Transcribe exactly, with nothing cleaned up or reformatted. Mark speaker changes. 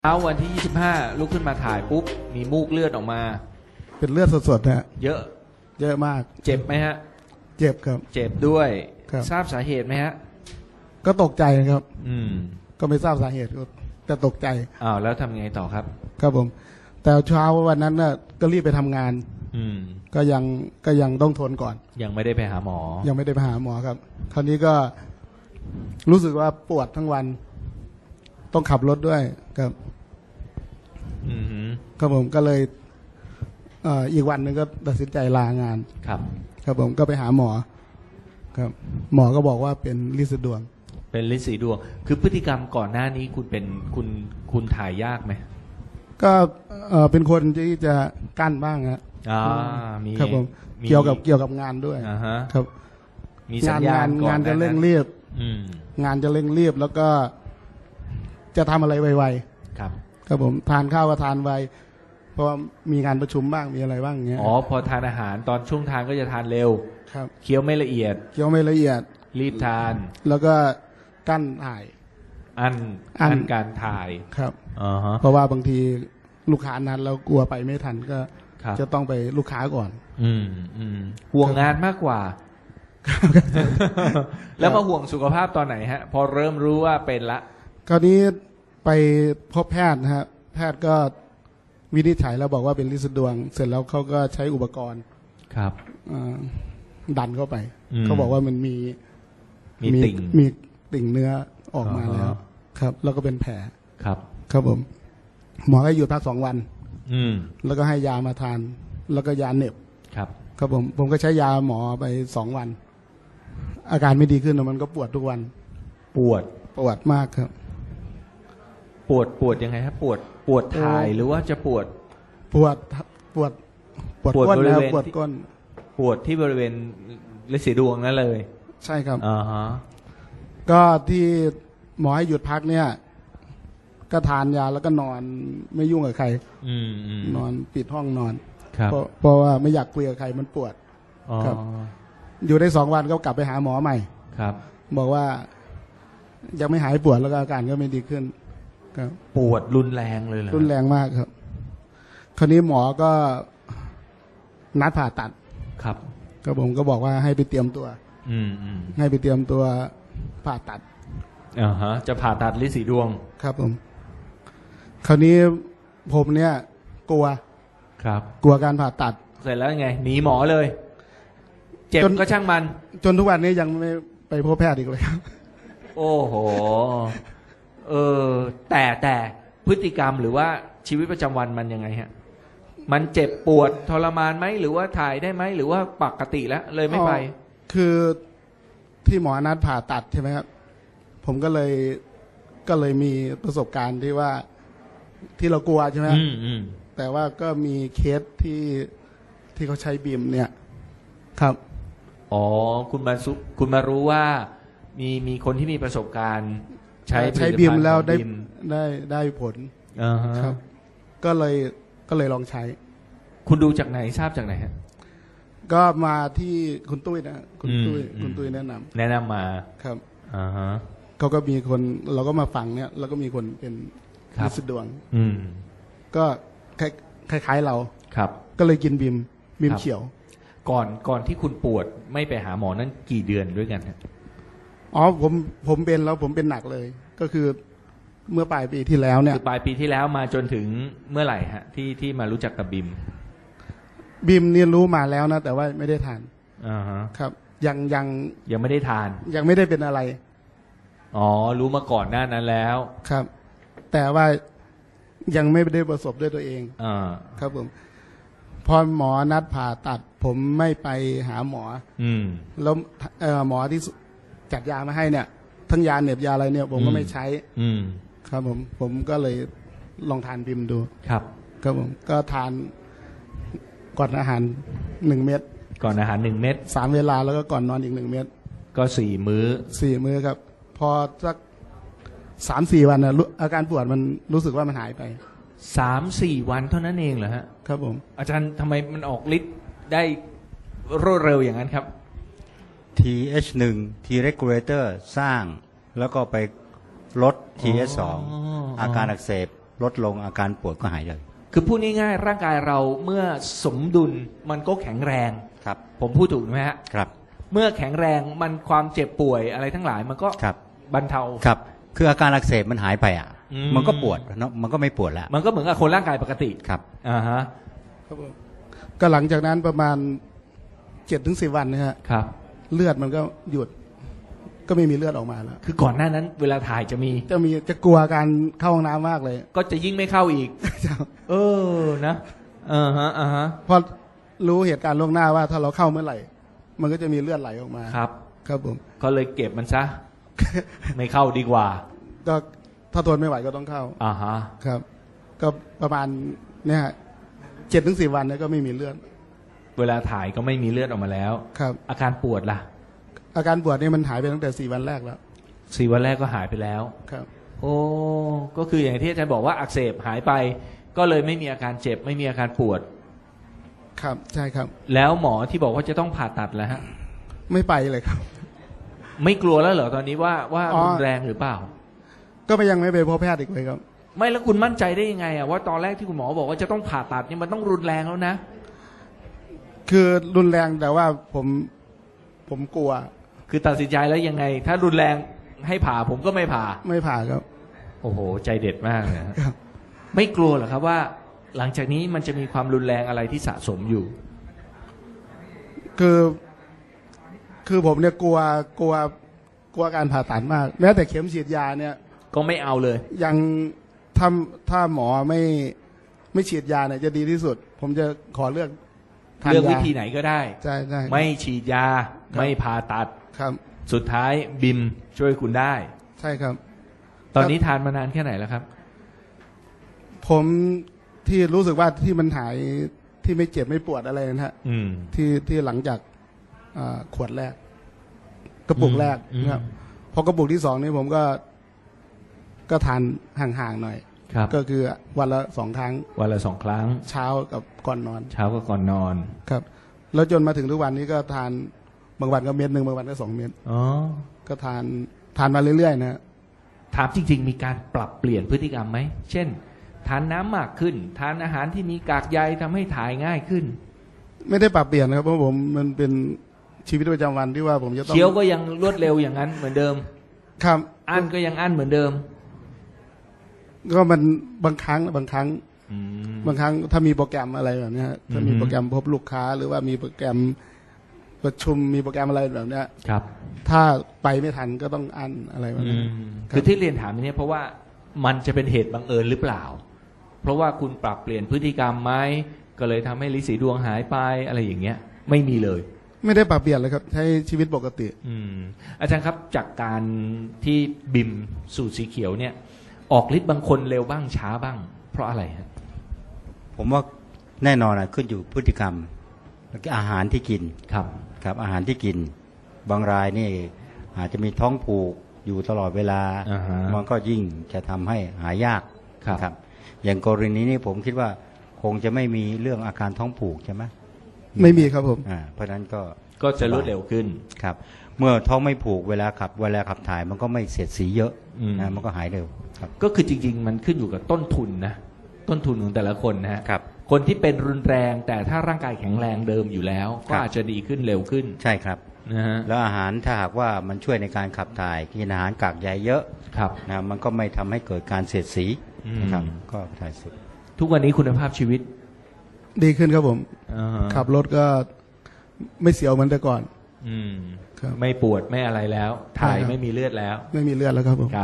Speaker 1: เช้าวันที่ยี่สิบห้าลุกขึ้นมาถ่ายปุ๊บมีมูกเลือดออกมา
Speaker 2: เป็นเลือดสดๆฮะ
Speaker 1: เยอะ
Speaker 2: เยอะมาก
Speaker 1: เจ็บไหมฮะ
Speaker 2: เจ็บครับ
Speaker 1: เจ็บด้วยทราบสาเหตุไหมฮะ
Speaker 2: ก็ตกใจครับ
Speaker 1: อืม
Speaker 2: ก็ไม่ทราบสาเหตุก็แต่ตกใจ
Speaker 1: อ้าวแล้วทำไงต่อครับ
Speaker 2: ครับผมแต่เช้าวันนั้นน่ะก็รีบไปทำงาน
Speaker 1: อืม
Speaker 2: ก็ยังก็ยังต้องทนก่อน
Speaker 1: ยังไม่ได้ไปหาหมอ
Speaker 2: ยังไม่ได้ไปหาหมอครับคราวนี้ก็รู้สึกว่าปวดทั้งวันต้องขับรถด้วยครับ
Speaker 1: อืม
Speaker 2: ครับผมก็เลยเอ่ออีกวันหนึ่งก็ตัดสินใจลางาน
Speaker 1: ครับ
Speaker 2: ครับผมก็ไปหาหมอครับหมอก็บอกว่าเป็นลินสีดวง
Speaker 1: เป็นลินสีดวงคือพฤติกรรมก่อนหน้านี้คุณเป็นคุณคุณถ่ายยากไหม
Speaker 2: ก็เอ่อเป็นคนที่จะกั้นบ้างครับ
Speaker 1: อ่ามี
Speaker 2: ครับผมเกี่ยวกับเกี่ยวกับงานด้วย
Speaker 1: อ่าฮะ
Speaker 2: ครับ
Speaker 1: มีสัญญาณ
Speaker 2: งานจะเร่งรีบงานจะเร่งรีบแล้วก็จะทำอะไรไวๆ
Speaker 1: ครับ
Speaker 2: ครับผมทานข้าวก็ทานไวเพราะว่ามีงานประชุมบ้างมีอะไรบ้างอย่างเงี้ย
Speaker 1: อ๋อพอทานอาหารตอนช่วงทานก็จะทานเร็ว
Speaker 2: ครับ
Speaker 1: เคี้ยวไม่ละเอียด
Speaker 2: เคี้ยวไม่ละเอียด
Speaker 1: รีบทาน
Speaker 2: แล้วก็กั้นถ่าย
Speaker 1: อันอันการถ่าย
Speaker 2: ครับ
Speaker 1: อ๋อฮะ
Speaker 2: เพราะว่าบางทีลูกค้านั้นเรากลัวไปไม่ทันก็จะต้องไปลูกค้าก่อน
Speaker 1: อืมอืมห่วงงานมากกว่าแล้วมาห่วงสุขภาพตอนไหนฮะพอเริ่มรู้ว่าเป็นละ
Speaker 2: คราวนี้ไปพบแพทย์นะฮะแพทย์ก็วินิจฉัยแล้วบอกว่าเป็นลินสีดวงเสร็จแล้วเขาก็ใช้อุปกรณ์
Speaker 1: ครับ
Speaker 2: ดันเข้าไปเขาบอกว่ามันมี
Speaker 1: มีติ่ง
Speaker 2: มีติ่งเนื้อออกมาแล้วครับแล้วก็เป็นแผล
Speaker 1: ครับ
Speaker 2: ครับผมหมอให้หยุดพักสองวัน
Speaker 1: อืม
Speaker 2: แล้วก็ให้ยามาทานแล้วก็ยาเหน็บ
Speaker 1: ครับ
Speaker 2: ครับผมผมก็ใช้ยาหมอไปสองวันอาการไม่ดีขึ้นมันก็ปวดทุกวัน
Speaker 1: ปวด
Speaker 2: ปวดมากครับ
Speaker 1: ปวดปวดยังไงครับปวดปวดถ่ายหรือว่าจะปวด
Speaker 2: ปวดปวดปวดก้นแล้วปวดก้น
Speaker 1: ปวดที่บริเวณลินสีดวงนั่นเลย
Speaker 2: ใช่ครับ
Speaker 1: อ่าฮะ
Speaker 2: ก็ที่หมอให้หยุดพักเนี่ยก็ทานยาแล้วก็นอนไม่ยุ่งกับใครนอนปิดห้องนอนเพราะเพราะว่าไม่อยากคุยกับใครมันปวดครับอยู่ได้สองวันก็กลับไปหาหมอใหม่
Speaker 1: ครับ
Speaker 2: บอกว่ายังไม่หายปวดแล้วก็อาการก็ไม่ดีขึ้นครับ
Speaker 1: ปวดรุนแรงเลยเหรอ
Speaker 2: รุนแรงมากครับคราวนี้หมอก็นัดผ่าตัด
Speaker 1: ครับ
Speaker 2: ก็ผมก็บอกว่าให้ไปเตรียมตัว
Speaker 1: อืมอืม
Speaker 2: ให้ไปเตรียมตัวผ่าตัด
Speaker 1: อ่าฮะจะผ่าตัดลินสีดวง
Speaker 2: ครับผมคราวนี้ผมเนี่ยกลัว
Speaker 1: ครับ
Speaker 2: กลัวการผ่าตัด
Speaker 1: เสร็จแล้วไงหนีหมอเลยเจ็บก็ช่างมัน
Speaker 2: จนทุกวันนี้ยังไม่ไปพบแพทย์อีกเลยครับ
Speaker 1: โอ้โหเออแต่แต่พฤติกรรมหรือว่าชีวิตประจำวันมันยังไงฮะมันเจ็บปวดทรมานไหมหรือว่าถ่ายได้ไหมหรือว่าปกติแล้วเลยไม่ไป
Speaker 2: คือที่หมอนัดผ่าตัดใช่ไหมครับผมก็เลยก็เลยมีประสบการณ์ที่ว่าที่เรากลัวใช่ไหมแต่ว่าก็มีเคสที่ที่เขาใช้บีมเนี่ยครับ
Speaker 1: อ๋อคุณมาคุณมารู้ว่ามีมีคนที่มีประสบการณ์ใช้
Speaker 2: ใช้บีมแล้วได้ได้ได้ผลครับก็เลยก็เลยลองใช้
Speaker 1: คุณดูจากไหนทราบจากไหนฮะ
Speaker 2: ก็มาที่คุณตุ้ยนะคุณตุ้ยคุณตุ้ยแนะนำ
Speaker 1: แนะนำมา
Speaker 2: ครับ
Speaker 1: อ่าฮะ
Speaker 2: เขาก็มีคนเราก็มาฟังเนี่ยแล้วก็มีคนเป็นลินสีดวง
Speaker 1: อืม
Speaker 2: ก็คล้ายๆเรา
Speaker 1: ครับ
Speaker 2: ก็เลยกินบีมบีมเขียว
Speaker 1: ก่อนก่อนที่คุณปวดไม่ไปหาหมอนั่นกี่เดือนด้วยกันฮะ
Speaker 2: อ๋อผมผมเป็นแล้วผมเป็นหนักเลยก็คือเมื่อปลายปีที่แล้วเนี่ย
Speaker 1: คือปลายปีที่แล้วมาจนถึงเมื่อไหร่ฮะที่ที่มารู้จักกับบิม
Speaker 2: บิมเนี่ยรู้มาแล้วนะแต่ว่าไม่ได้ทาน
Speaker 1: อ่าฮะ
Speaker 2: ครับยังยัง
Speaker 1: ยังไม่ได้ทาน
Speaker 2: ยังไม่ได้เป็นอะไร
Speaker 1: อ๋อรู้มาก่อนหน้านั้นแล้ว
Speaker 2: ครับแต่ว่ายังไม่ได้ประสบด้วยตัวเอง
Speaker 1: อ่า
Speaker 2: ครับผมพอหมอนัดผ่าตัดผมไม่ไปหาหมอ
Speaker 1: อืม
Speaker 2: แล้วหมอที่จัดยามาให้เนี่ยทั้งยาเหน็บยาอะไรเนี่ยผมก็ไม่ใช้
Speaker 1: อืม
Speaker 2: ครับผมผมก็เลยลองทานบิมดู
Speaker 1: ครับ
Speaker 2: ครับผมก็ทานก่อนอาหารหนึ่งเม็ด
Speaker 1: ก่อนอาหารหนึ่งเม็ด
Speaker 2: สามเวลาแล้วก็ก่อนนอนอีกหนึ่งเม็ด
Speaker 1: ก็สี่มื้อ
Speaker 2: สี่มื้อครับพอสักสามสี่วันนะอาการปวดมันรู้สึกว่ามันหายไป
Speaker 1: สามสี่วันเท่านั้นเองเหรอฮะ
Speaker 2: ครับผม
Speaker 1: อาจารย์ทำไมมันออกฤทธิ์ได้รวดเร็วอย่างนั้นครับ
Speaker 3: ที เอช หนึ่ง T regulator สร้างแล้วก็ไปลด ที เอช สอง อาการอักเสบลดลงอาการปวดก็หายเลย
Speaker 1: คือพูดง่ายๆร่างกายเราเมื่อสมดุลมันก็แข็งแรง
Speaker 3: ครับ
Speaker 1: ผมพูดถูกไหมฮะ
Speaker 3: ครับ
Speaker 1: เมื่อแข็งแรงมันความเจ็บป่วยอะไรทั้งหลายมันก็
Speaker 3: ครับ
Speaker 1: บรรเทา
Speaker 3: ครับคืออาการอักเสบมันหายไปอ่ะ
Speaker 1: อืม
Speaker 3: มันก็ปวดเนาะมันก็ไม่ปวดแล้ว
Speaker 1: มันก็เหมือนกับคนร่างกายปกติ
Speaker 3: ครับ
Speaker 1: อ่าฮะ
Speaker 2: ครับผมก็หลังจากนั้นประมาณเจ็ดถึงสิบวันนะฮะ
Speaker 1: ครับ
Speaker 2: เลือดมันก็หยุด ก็ไม่มีเลือดออกมาแล้ว
Speaker 1: คือก่อนหน้านั้นเวลาถ่ายจะมี
Speaker 2: จะมีจะกลัวการเข้าห้องน้ำมากเลย
Speaker 1: ก็จะยิ่งไม่เข้าอีก เออนะอ่าฮะอ่าฮะ
Speaker 2: เพราะรู้เหตุการณ์ล่วงหน้าว่าถ้าเราเข้าเมื่อไหร่ มันก็จะมีเลือดไหลออกมา
Speaker 1: ครับ
Speaker 2: ครับผม
Speaker 1: ก็เลยเก็บมันซะ ไม่เข้าดีกว่า
Speaker 2: ก็ถ้าทนไม่ไหวก็ต้องเข้า
Speaker 1: อ่าฮะ
Speaker 2: ครับ ก็ประมาณเนี่ยเจ็ดถึงสิบวันเนี่ยก็ไม่มีเลือด
Speaker 1: เวลาถ่ายก็ไม่มีเลือดออกมาแล้ว
Speaker 2: ครับ
Speaker 1: อาการปวดล่ะ
Speaker 2: อาการปวดนี่มันหายไปตั้งแต่สี่วันแรกแล้ว
Speaker 1: สี่วันแรกก็หายไปแล้ว
Speaker 2: ครับ
Speaker 1: โอ้ก็คืออย่างที่อาจารย์บอกว่าอักเสบหายไป ก็เลยไม่มีอาการเจ็บไม่มีอาการปวด
Speaker 2: ครับใช่ครับ
Speaker 1: แล้วหมอที่บอกว่าจะต้องผ่าตัดแล้วฮะ
Speaker 2: ไม่ไปเลยครับ
Speaker 1: ไม่กลัวแล้วเหรอตอนนี้ว่าว่า
Speaker 2: อ๋อ
Speaker 1: รุนแรงหรือเปล่า
Speaker 2: ก็ไปยังไม่ไปพบแพทย์อีกเลยครับ
Speaker 1: ไม่แล้วคุณมั่นใจได้ยังไงอะว่าตอนแรกที่คุณหมอบอกว่าจะต้องผ่าตัดนี่มันต้องรุนแรงแล้วนะ
Speaker 2: คือรุนแรงแต่ว่าผมผมกลัว
Speaker 1: คือตัดสินใจแล้วยังไง ถ้ารุนแรงให้ผ่าผมก็ไม่ผ่า
Speaker 2: ไม่ผ่าครับ
Speaker 1: โอ้โห ใจเด็ดมากเลยฮะ
Speaker 2: ครับ
Speaker 1: ไม่กลัวเหรอครับว่า หลังจากนี้มันจะมีความรุนแรงอะไรที่สะสมอยู่
Speaker 2: คือ คือผมเนี่ยกลัวกลัวกลัวการผ่าตัดมาก แม้แต่เข็มฉีดยาเนี่ย
Speaker 1: ก็ไม่เอาเลย
Speaker 2: ยังถ้าถ้าหมอไม่ไม่ฉีดยาเนี่ยจะดีที่สุด ผมจะขอเลือกทาน
Speaker 1: เลือก
Speaker 2: ยา
Speaker 1: วิธีไหนก็ได้
Speaker 2: ใช่ใช่
Speaker 1: ไม่ฉีดยา
Speaker 2: ครับ
Speaker 1: ไม่ผ่าตัด
Speaker 2: ครับ
Speaker 1: สุดท้ายบิมช่วยคุณได้
Speaker 2: ใช่ครับ
Speaker 1: ตอนนี้ทานมานานแค่ไหนแล้วครับ
Speaker 2: ผมที่รู้สึกว่าที่มันหายที่ไม่เจ็บไม่ปวดอะไรนะฮะ
Speaker 1: อืม
Speaker 2: ที่ที่หลังจากอ่าขวดแรก กระปุกแรก
Speaker 1: อืม
Speaker 2: นะครับพอกระปุกที่สองนี่ผมก็ ก็ทานห่างๆหน่อย
Speaker 1: ครับ
Speaker 2: ก็คือวันละสองครั้ง
Speaker 1: วันละสองครั้ง
Speaker 2: เช้ากับก่อนนอน
Speaker 1: เช้าก็ก่อนนอน
Speaker 2: ครับ แล้วจนมาถึงทุกวันนี้ก็ทานบางวันก็เม็ดหนึ่งบางวันก็สองเม็ด
Speaker 1: อ๋อ
Speaker 2: ก็ทานทานมาเรื่อยๆนะ
Speaker 1: ถามจริง ๆ มีการปรับเปลี่ยนพฤติกรรมไหม เช่น ทานน้ำมากขึ้น ทานอาหารที่มีกากใยทำให้ถ่ายง่ายขึ้น
Speaker 2: ไม่ได้ปรับเปลี่ยนนะครับเพราะผมมันเป็นชีวิตประจำวันที่ว่าผมจะต้อง
Speaker 1: เคี้ยวก็ยังรวดเร็วอย่างนั้นเหมือนเดิม
Speaker 2: ครับ
Speaker 1: อั้นก็ยังอั้นเหมือนเดิม
Speaker 2: ก็มันบางครั้งบางครั้ง
Speaker 1: อืม
Speaker 2: บางครั้งถ้ามีโปรแกรมอะไรแบบเนี้ยถ้ามี
Speaker 1: อือฮึ
Speaker 2: โปรแกรมพบลูกค้า หรือว่ามีโปรแกรมประชุมมีโปรแกรมอะไรแบบเนี้ย
Speaker 1: ครับ
Speaker 2: ถ้าไปไม่ทันก็ต้องอันอะไรแบบ
Speaker 1: อื
Speaker 2: นี้
Speaker 1: มคือที่เรียนถามนี้เพราะว่ามันจะเป็นเหตุบังเอิญหรือเปล่า เพราะว่าคุณปรับเปลี่ยนพฤติกรรมไหมก็เลยทำให้ลิสีดวงหายไปอะไรอย่างเงี้ย ไม่มีเลย
Speaker 2: ไม่ได้ปรับเปลี่ยนเลยครับใช้ชีวิตปกติ
Speaker 1: อืมอาจารย์ครับจากการที่บิมสูตรสีเขียวเนี่ย ออกฤทธิ์บางคนเร็วบ้างช้าบ้าง เพราะอะไรฮะ
Speaker 3: ผมว่าแน่นอนอะขึ้นอยู่พฤติกรรมแล้วก็อาหารที่กิน
Speaker 1: ครับ
Speaker 3: ครับอาหารที่กิน บางรายนี่อาจจะมีท้องผูกอยู่ตลอดเวลา
Speaker 1: อ่าฮะ
Speaker 3: มันก็ยิ่งจะทำให้หายาก
Speaker 1: ครับ
Speaker 3: อย่างกรณีนี้ผมคิดว่าคงจะไม่มีเรื่องอาการท้องผูกใช่ไหม
Speaker 2: ไม่มีครับผม
Speaker 3: อ่าเพราะฉะนั้นก็
Speaker 1: ก็จะรวดเร็วขึ้น
Speaker 3: ครับ เมื่อท้องไม่ผูกเวลาขับเวลาขับถ่ายมันก็ไม่เสียดสีเยอะ
Speaker 1: อืม
Speaker 3: นะมันก็หายเร็วครับ
Speaker 1: ก็คือจริง ๆ มันขึ้นอยู่กับต้นทุนนะ ต้นทุนของแต่ละคนนะฮะ
Speaker 3: ครับ
Speaker 1: คนที่เป็นรุนแรงแต่ถ้าร่างกายแข็งแรงเดิมอยู่แล้ว
Speaker 3: ค
Speaker 1: ก็
Speaker 3: รับ
Speaker 1: อาจจะดีขึ้นเร็วขึ้น
Speaker 3: ใช่ครับ
Speaker 1: นะฮะ
Speaker 3: แล้วอาหารถ้าหากว่ามันช่วยในการขับถ่ายกินอาหารกากใยเยอะ
Speaker 1: ครับ
Speaker 3: นะมันก็ไม่ทำให้เกิดการเสียดสี
Speaker 1: อืม
Speaker 3: นะครับก็ถ่ายสุด
Speaker 1: ทุกวันนี้คุณภาพชีวิต
Speaker 2: ดีขึ้นครับผม
Speaker 1: อ่าฮะ
Speaker 2: ขับรถก็ไม่เสียวเหมือนแต่ก่อน
Speaker 1: อืม
Speaker 2: ครับ
Speaker 1: ไม่ปวดไม่อะไรแล้ว ถ่าย
Speaker 2: ใช่ครับ
Speaker 1: ไม่มีเลือดแล้ว
Speaker 2: ไม่มีเลือดแล้วครับผม